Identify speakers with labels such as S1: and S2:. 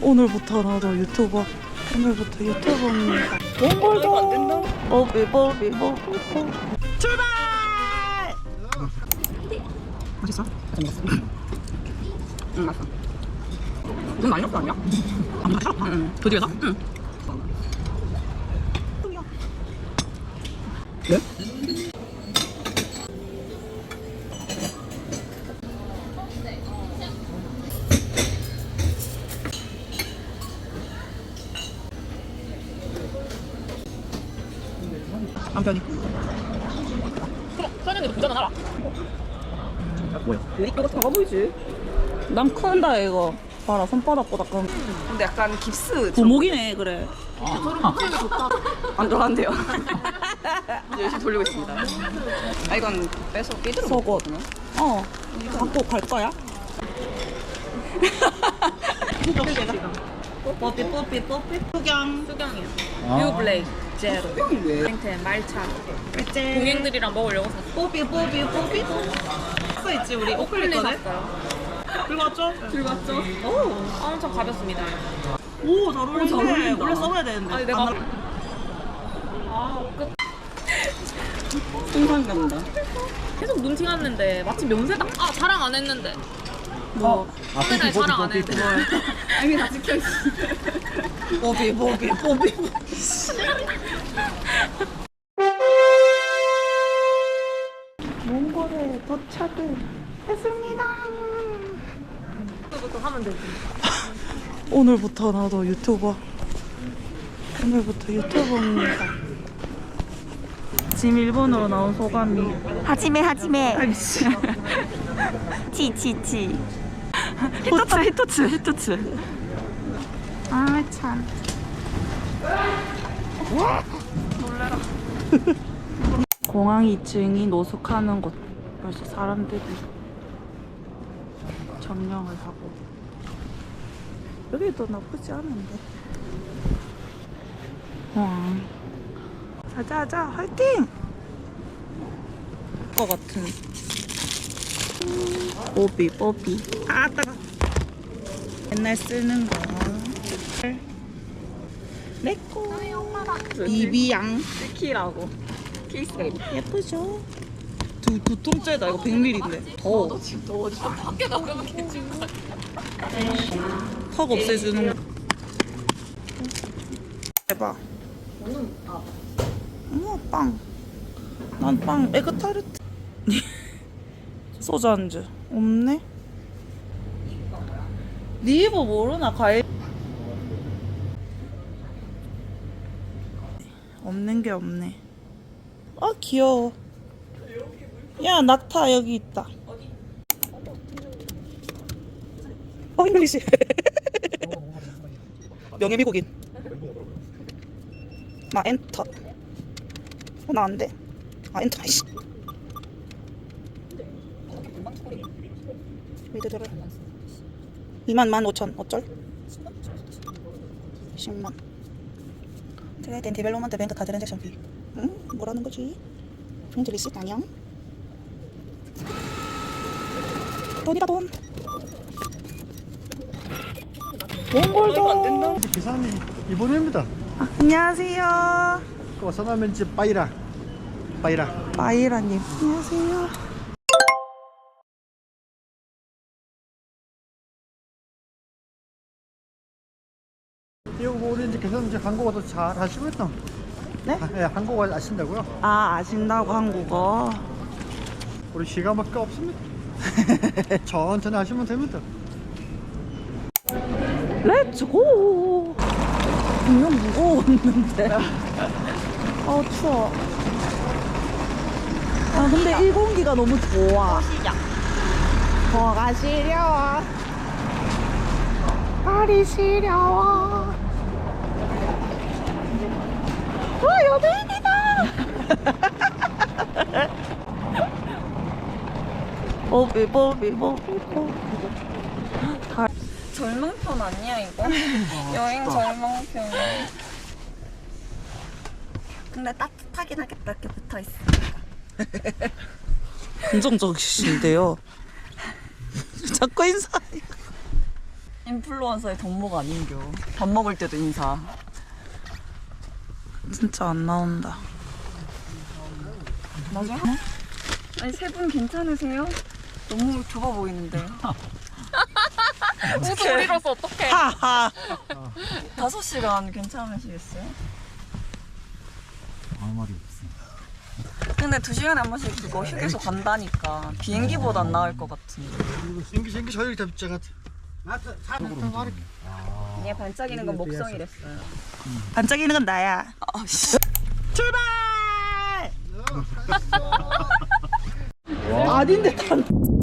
S1: 오늘부터 나도 유튜버. 오늘부터 유튜버입니다. 몽골도 안 된다. 출발! 맛있어? 맛있어. 응, 맛있어. 눈 많이 넣었어 아니야? 안 맛있어? 응. 그 집에서? 응. 네? 남편이 선영이도 부자는 알아. 뭐야? 이거 작아 보이지? 난 큰다 이거. 봐라 손바닥보다 큰. 근데 약간 깁스 부목이네. 그래. 안 들어간대요. 열심히 돌리고 있습니다. 아 이건 빼서 삐들어 속옷. 갖고 갈 거야? 뽀삐
S2: 수경이요. 뷰 블레이크 제로. 땡텐 말차. 동행들이랑 먹으려고 샀어.
S1: 뽀삐 써있지 우리
S2: 오클리
S1: 오클리거든?
S2: 샀어요.
S1: 들고 왔죠?
S2: 들고 왔죠? 오, 엄청 가볍습니다.
S1: 오 잘 어울리네.
S2: 잘 어울린다.
S1: 원래 써봐야 되는데.
S2: 아니 내가 끝.
S1: 상상된다.
S2: 계속 눈치 갔는데 마침 면세당 자랑 안 했는데.
S1: 뭐?
S2: 카메라에 자랑 안 했는데. 이미 다 찍혀 있어.
S1: 뽀삐 몽골에 도착을 했습니다.
S2: 그것부터 하면 되지.
S1: 오늘부터 나도 유튜버. 오늘부터 유튜버입니다. 지금 일본으로 나온 소감이.
S3: 하지메
S1: 아이씨.
S3: 치
S1: 히토츠.
S3: 아 참.
S1: 놀래라. 공항 2층이 노숙하는 곳. 벌써 사람들이 점령을 하고. 여기도 나쁘지 않은데. 와. 자자자 화이팅! 것 같은. 뽀삐. 아 따가. 맨날 쓰는 거. 내꺼. 비비양.
S2: 키라고. 케이스가 이렇게.
S1: 예쁘죠? 두 통째다. 이거 100ml인데. 더워.
S2: 지금 더워. 밖에 나가면 개진 거 같아.
S1: 턱 없애주는 거. 대박. 어머 빵. 난 빵 에그타르트. 소주 안주 없네. 니이버 모르나 과일. 없는 게 없네. 아 귀여워. 야 낙타 여기 있다. 잉글리시. 명예 미국인. 마 엔터. 나 안 돼. 아 엔터. 아이씨. 미드들을 21,500 어쩔? 10만. 트레이드 앤 디벨롭먼트 뱅크 카드 트랜잭션 피. 응? 뭐라는 거지? 프린트 리시트 안녕? 돈이다 돈. 몽골도 안 된다.
S4: 기사님 일본입니다.
S1: 안녕하세요.
S4: 와사나면집 빠이라.
S1: 마이라님 안녕하세요.
S4: 이거 우리 이제 계속 이제 한국어도 잘 하시고 있나?
S1: 네?
S4: 예, 한국어 아신다고요?
S1: 아 아신다고 한국어.
S4: 우리 시간밖에 없습니다. 천천히 하시면 됩니다.
S1: 렛츠고. 분명 무거웠는데. 추워. 아 근데 이 공기가 너무 좋아. 더가 시려워. 발이 시려워. 여배인이다. 뽀삐.
S3: 절망편 아니야 이거? 여행 절망편. 근데 따뜻하긴 하겠다 이렇게 붙어있어.
S1: 긍정적이신데요. 자꾸 인사.
S3: 인플루언서의 덕목 아닌겨. 밥 먹을 때도 인사.
S1: 진짜 안 나온다.
S3: 나중에 아니 세 분 괜찮으세요? 너무 좁아 보이는데.
S2: 소리로서 어떡해.
S1: 하하.
S3: 5시간 괜찮으시겠어요?
S4: 아무 말이 없어.
S3: 근데 2시간에 한 번씩 그거 휴게소 간다니까 비행기보다 안 나을 것 같은데.
S4: 생기 저녁이 잡자가.
S3: 얘 반짝이는 건 목성이랬어요.
S1: 반짝이는 건 나야.
S3: 아씨.
S1: 출발! 아닌데 단.